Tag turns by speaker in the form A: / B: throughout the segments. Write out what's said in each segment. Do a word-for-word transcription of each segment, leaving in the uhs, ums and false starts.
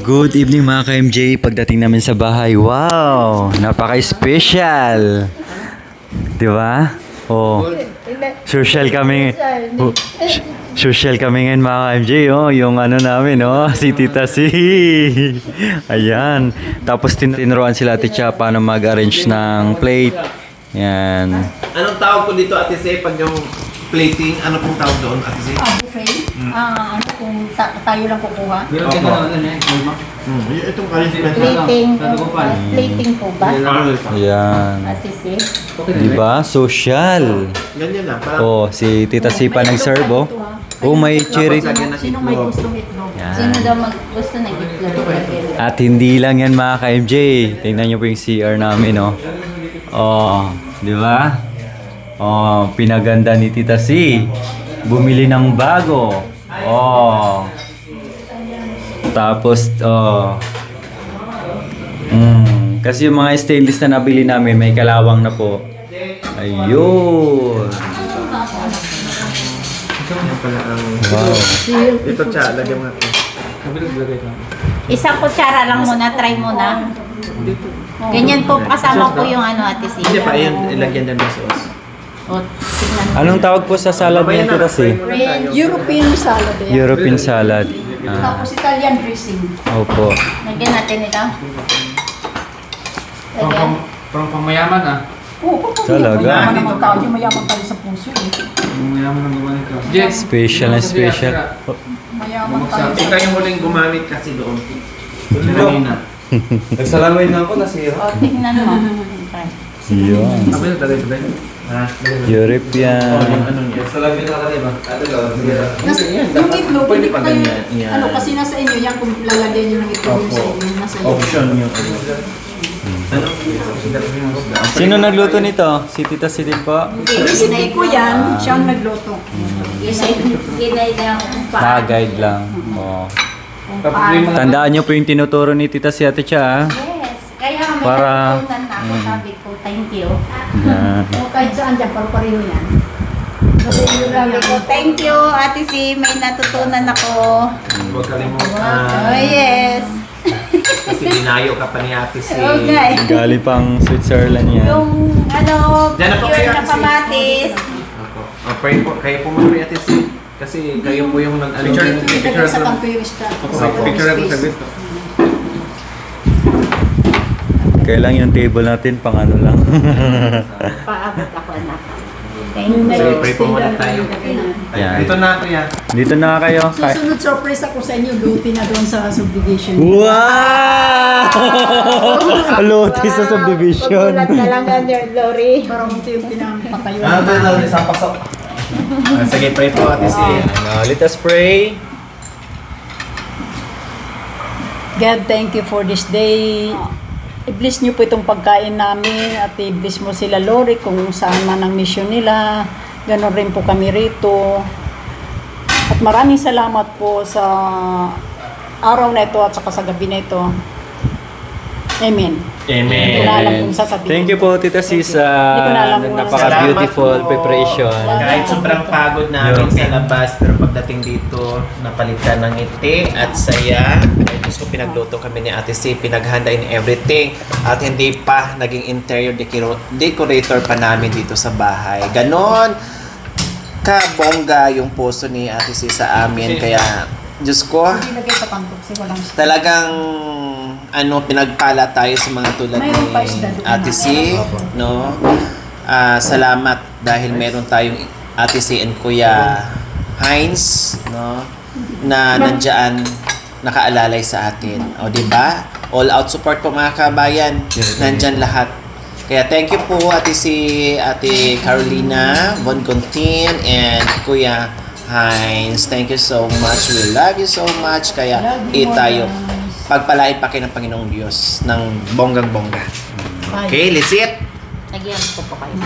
A: Good evening mga ka-M J. Pagdating namin sa bahay, wow! Napaka-special! Di ba? Oh, social kami. Oh, social kami ngayon mga ka-M J. Oh, yung ano namin, oh, si Tita C. Ayan. Tapos tin tinuruan sila Ate Cha paano mag-arrange ng plate. Yan.
B: Anong tawag ko dito, Ate C, pag yung plating, ano pong tawag doon, Ate C?
C: Ah, buffet? Ah, ano kung ta tayo lang kukuha?
B: Opo.
D: Hmm, itong arrangement.
C: Plating, uh, plating po ba?
A: Ayan.
C: Ate si?
A: Di ba? Social.
B: Ganyan lang. Parang,
A: Oh, si Tita C pa nag-serve, oh. Oh, may cherry.
C: Sino may gustong itlog?
A: Yan.
C: Sino daw mag gusto ng itlog?
A: At hindi lang yan mga ka-M J. Tingnan nyo po yung C R namin, oh. Oh, di ba? Oh, pinaganda ni Tita C. Bumili ng bago. Oh. Tapos, oh. Mm, kasi yung mga stainless na nabili namin, may kalawang na po. Ayun.
B: yan pala ang...
A: Wow.
B: Ito, Cha, lagyan mo natin.
C: Isang kutsara lang muna, try muna. Ganyan po, kasama po yung ano, Ate si.
B: Hindi pa, ayun, ilagyan din ng sauce.
C: O, tignan mo.
A: Anong tawag po sa salad niya, Tita C?
E: European salad yan.
A: European salad. Ah,
E: Tapos Italian dressing.
A: opo.
C: Lagyan natin ito. Lagyan.
F: Parang pamayaman ah.
E: Oo, oh,
A: Talaga?
E: Mayaman naman tayo, mayaman tayo sa puso eh.
F: Pamayaman ang gawa nito. Jex,
A: Special na special.
E: Mayaman tayo.
B: Ikaw yung huling gumamit kasi doon. Kanina.
D: Nagsalamay na ako, nasira.
C: O, tignan mo. Try.
A: Yun.
B: Sabi na talaga ba yun? Ha?
A: European.
B: Ano niya?
D: Nagsalamay na ka, diba?
E: Nas,
B: Yan,
E: yung
B: dapat
E: itlog,
B: pwede
E: hindi
B: pa
E: kayo,
B: ganyan. Yan.
E: ano kasi nasa inyo, yan kung lalagyan nyo ng itlog yung sa inyo, nasa inyo.
B: Option yung ano. Ano?
A: Sino nagluto nito? Si Tita C din po?
E: Recipe ko yan, siya ang nagluto.
C: Ginay lang.
A: Na-guide lang. Oh.
F: problema na.
A: Tandaan nyo po yung tinuturo ni Tita C Ate Cha. ah.
C: Yes. Kaya may
A: Para-
C: natutunan na ako. Sabi ko, thank you.
A: Yan.
E: O kahit saan dyan, paru-pareho yan. Kasi yun lang
C: Sabi ko, thank you, Ate si. May natutunan ako.
B: Huwag kalimutan.
C: Oh, yes.
B: Kasi dinayo ka pa ni Ate C.
C: Okay.
A: Galing pang Switzerland yan.
C: Yung, ano,
B: Diyan na po kayo,
C: pure na
B: Ate C.
C: kamatis.
B: Ako. Oh, pray po, kayo po mga Ate C. Kasi kayo po yung nag-ano.
F: Picture.
E: Picture sa kanto yung restaurant.
B: Opo.
F: Picture ako sa bit.
A: Kailang yung table natin pang ano lang.
C: Paabot ako, anak. Thank you.
B: Sige, pray po muna tayo.
A: Yan.
B: Ito na, Kuya.
A: Dito na kayo. Ka-
E: Susunod surprise ako sa inyo, duty na doon sa subdivision.
A: Wow! Lote sa subdivision.
C: Pagulat na lang under glory.
E: Para unti-unti na patayo.
D: Ah, doon na, isang pasok.
B: Ah, sige, pray po, Ate C.
A: Now, let us pray.
E: God, thank you for this day. I-bless niyo po itong pagkain namin at i-bless mo sila, Lord, kung saan man ang mission nila. Ganon rin po kami rito. At maraming salamat po sa araw na ito at saka sa gabi na ito. Amen.
B: Amen.
E: Hindi ko na alam kung sasabihin.
A: Thank you po, Tita C, sa
E: Hindi ko na alam kung ano.
A: napaka-beautiful
B: Salamat po.
A: preparation.
B: Kahit sobrang pagod namin sa labas, pero pagdating dito, napalitan ng ngiti at saya. Ay, Diyos ko, pinagluto kami ni Ate C, pinaghanda in everything. At hindi pa naging interior decor- decorator pa namin dito sa bahay. Ganon kabongga yung puso ni Ate C sa amin. Kaya, Diyos ko,
E: Hindi lagay sa kanto kasi walang
B: talagang ano pinagpala tayo sa mga tulad ni
E: Mayroon pa isda doon.
B: Ate C, no? Ah, salamat dahil meron tayong Ate C and Kuya Heinz, no? Na nandiyan nakaalalay sa atin. O di ba? All out support po mga kabayan. Nandiyan lahat. Kaya thank you po Ate C, Ate Carolina, Von Contin and Kuya Heinz. Thank you so much. We love you so much. Kaya
E: Love you
B: eh, tayo pagpalain pa kayo ng Panginoong Diyos ng bonggang-bongga. Okay, let's eat!
C: Nagyan ko po kayo.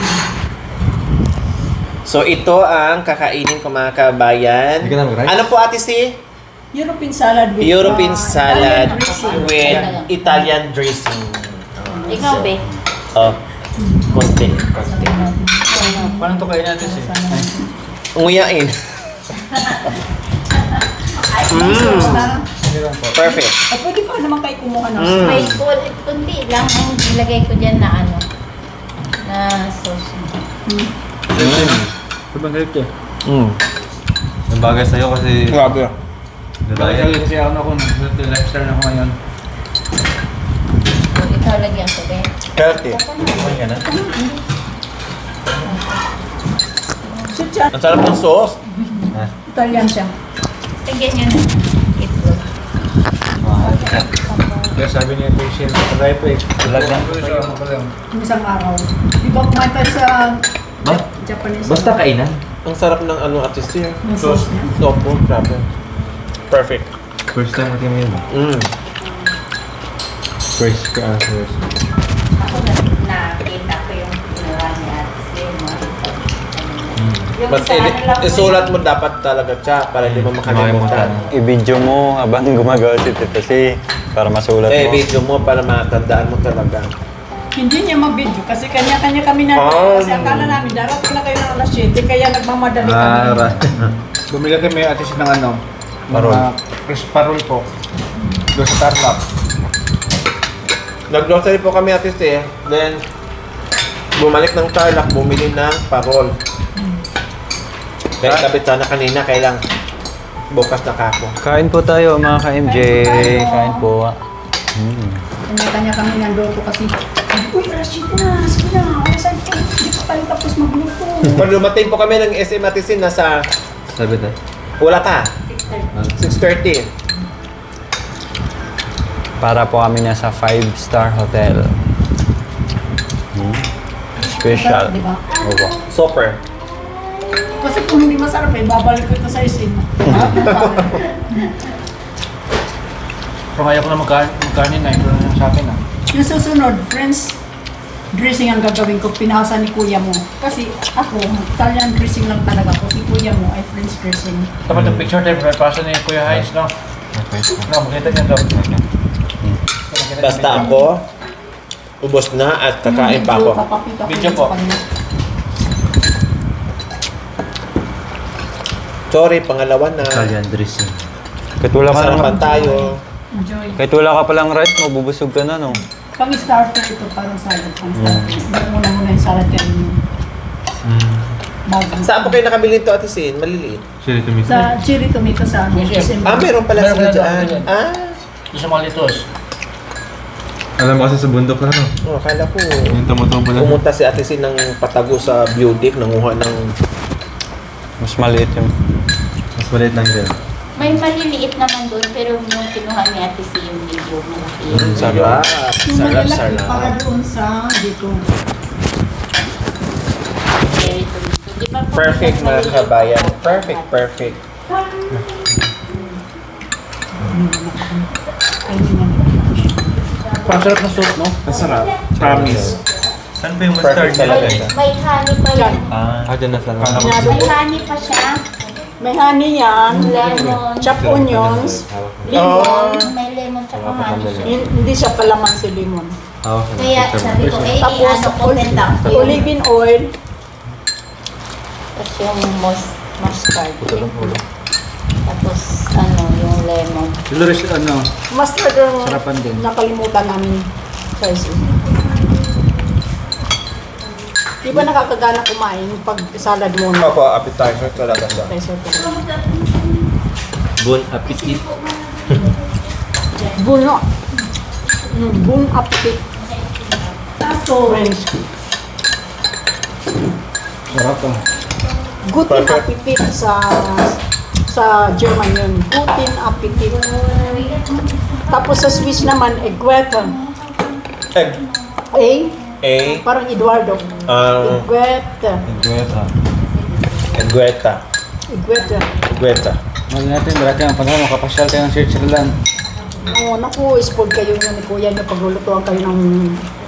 B: So, ito ang kakainin ko mga kabayan.
D: Hindi ka na mag-rice?
B: Ano po ate si?
E: European salad with
B: European
E: uh,
B: salad
E: Italian dressing.
B: with Italian dressing.
C: Ikaw, be.
B: Oh, konti. Konti.
F: Paano to kain natin siya?
B: Unguyain.
E: Ay, may sauce na.
B: Perfect.
E: At pwede pa naman kayo kumuha ng
B: Mm.
C: May kul- kundi lang ang ilagay ko dyan na ano, na sauce.
F: Sobrang galit eh.
B: Mm.
D: Ang bagay sa'yo kasi
B: Grabe.
F: Bakit sabi kasi ako na kung healthy lifestyle na ako ngayon.
C: So, ikaw lagyan ko, be.
B: Healthy.
D: kumain ka na.
E: Si Chan,
B: Ang sarap ng sauce.
E: Italian siya.
C: Lagyan nyo na itlog.
F: Kaya sabi niya patient sa life eh.
D: Vlog na.
E: Yung isang araw. Di ba kumain tayo sa
D: Ba?
E: Japanese?
D: Basta kainan.
B: Ang sarap ng ano at least yun.
E: Yung sauce niya.
B: Sopo. Grabe. Perfect.
D: First time natin yun.
B: Mm.
D: First ka, ah, first.
C: Ako na nakita ko yung ginawa ni Ate Sim. Yung
B: But
C: sa ano lang po
B: isulat mo dapat talaga siya para hindi mo makalimutan.
A: I-video mo habang gumagawa si Tito C para masulat
B: Eh,
A: mo.
B: video mo para matandaan mo talaga.
E: Hindi niya mabidyo kasi kanya-kanya kami na
B: Ah.
E: kasi akala namin darating na kayo ng alas siyete kaya nagmamadali kami.
D: Ah, ra.
F: Bumili kami atis ng ano.
A: Parol.
F: Mga Chris Parol po. Doon sa Tarlac.
B: Nag-grocery po kami at least eh. Then, bumalik ng Tarlac, bumili ng parol. Kaya kabit sana kanina, kailang bukas na kako.
A: Kain po tayo mga ka-M J. Kain po. Mm.
E: Kanya-kanya kami nandoon kasi uy, alas siyete na, sige na, alasan ko, hindi pa tayo tapos magluto.
B: Pag dumating po kami ng S M Atisin, nasa
D: Sabi tayo.
B: wala ka. six thirty.
A: Para po kami nasa five star hotel. Mm. Special.
E: Di ba?
A: Opo.
B: Super.
E: Kasi kung hindi masarap eh, babalik ko ito sa isin.
F: Pero ayaw ko na magka- magkanin na. Ito na sa akin ah.
E: Yung susunod, friends, dressing ang gagawin ko, pinasa ni kuya mo. Kasi ako, Italian dressing lang talaga ko. Si kuya mo ay French dressing.
F: Dapat yung picture tayo, may pasa ni Kuya Hines, no? No, makita niya daw.
B: Basta ako, ubos na at kakain pa ako.
E: Papakita ko
F: Video
E: yun
F: po.
E: sa kanila.
B: Sorry, pangalawa na.
D: Italian dressing.
A: Kahit wala ka
B: Sarapan
A: lang,
B: tayo.
E: Enjoy.
A: kahit wala ka palang rice, mabubusog ka na, no?
E: Pang starter ito, parang salad. Pang starter. Hindi muna muna yung salad kayo. Bago.
B: Saan po kayo nakabili ito Atisin? Maliliit.
D: Chili tomato.
E: Sa cherry tomato sa ano.
F: Yes, yes.
E: December.
B: Ah, meron pala
F: Meron
B: sila
F: pala
B: dyan.
F: dyan.
B: Ah,
F: Doon sa mga litos.
D: Alam mo kasi sa bundok na no?
B: oh, akala ko.
D: Yung tumutubo lang.
B: Pumunta si Atisin ng Patago sa Beauty, nanguha ng...
A: Mas maliit yung...
D: Mas maliit lang din.
C: May maliliit naman doon, pero yung kinuha ni Ate C yung video malaki.
B: Mm, sarap.
E: Yung
B: Sarap,
E: malalaki para
B: sarap.
E: doon sa dito.
C: Very tomato. Di ba po
B: Perfect
C: mas
B: mga
C: maliliit
B: kabayan.
C: ang-
B: Perfect, perfect.
E: Ay, hindi nga.
F: Parang sarap na soup, no?
D: Ang sarap.
F: Promise.
D: Saan ba yung
B: Perfect talaga
C: May,
B: ito.
C: may honey pa yan.
D: Ah, ah dyan na sa
C: May honey pa siya.
E: May honey yan,
C: Lemon.
E: chopped onions,
B: Oh.
E: lemon.
C: May lemon tsaka honey siya.
E: Hin- Hindi siya palaman si lemon.
D: Hawak ka na.
C: Kaya sabi ko, eh,
E: Tapos,
C: ano ko tenta ko yun.
E: olive oil.
C: Tapos yung mus- mustard. Tapos ano, yung lemon.
F: Dolores, ano?
E: Mustard ang
F: Sarapan din.
E: nakalimutan namin. Guys. Di ba nakakagana kumain pag salad muna?
B: Opo, appetizer talaga siya.
E: Okay, so,
D: Bon appetit.
E: Buno. Mm, bun appetit. Friends.
F: Sarap ah.
E: Guten
B: Perfect.
E: Appetit sa sa German yun. Guten Appetit. Tapos sa Swiss naman, Egweta.
B: Egg.
E: A,
B: A.
E: parang Eduardo.
B: Um,
E: Egweta.
D: Gueta.
B: Egueta.
E: Egweta.
B: Egueta.
F: Mali natin, darating ang panahon, makapasyal tayo ng Switzerland.
E: Oo, naku, spoiled kayo nyo ni Kuya nyo paglulutuan kayo ng